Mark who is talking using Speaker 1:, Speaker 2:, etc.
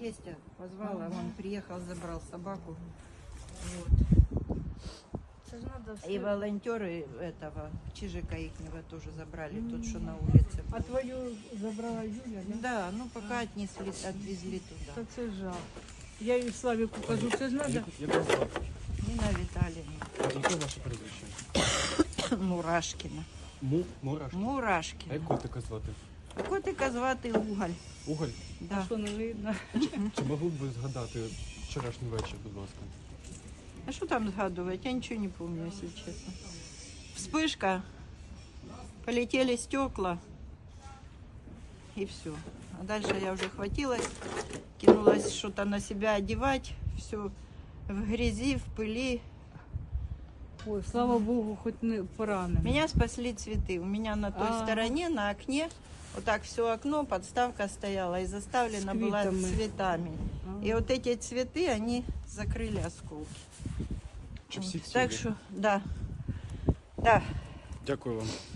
Speaker 1: тестя позвала, он приехал, забрал собаку. Вот.
Speaker 2: Це ж надо
Speaker 1: И
Speaker 2: все.
Speaker 1: волонтеры этого Чижика ихнего тоже забрали, тот, что на улице был.
Speaker 2: А твою забрала Юля, да?
Speaker 1: Да, ну пока отвезли туда.
Speaker 2: Та це жах. Я їй Славіку кажу, це ж надо.
Speaker 3: Як вас звати?
Speaker 1: Нина Витальевна.
Speaker 3: Яке ваше прізвище?
Speaker 1: Мурашкина.
Speaker 3: Мурашки. А
Speaker 1: Мурашкина.
Speaker 3: як котика звати?
Speaker 1: Котика звати Уголь.
Speaker 3: Уголь?
Speaker 1: Да.
Speaker 2: А що не видно?
Speaker 3: Чи могли б ви згадати вчорашній вечір, будь ласка?
Speaker 1: А что там сгадывать? Я ничего не помню, если честно. Вспышка, полетели стекла, и все. А дальше я уже хватилась, кинулась что-то на себя одевать, все в грязи, в пыли.
Speaker 2: Ой, слава Богу, хоч не поранений.
Speaker 1: Меня спасли цветы. У меня на той стороне, на окне, вот так все окно, подставка стояла и заставлена
Speaker 2: С
Speaker 1: была
Speaker 2: квитами.
Speaker 1: цветами.
Speaker 2: А.
Speaker 1: И вот эти цветы, они закрыли осколки.
Speaker 3: Чи всі
Speaker 1: Так
Speaker 3: цілі?
Speaker 1: что, да. Да.
Speaker 3: Дякую вам.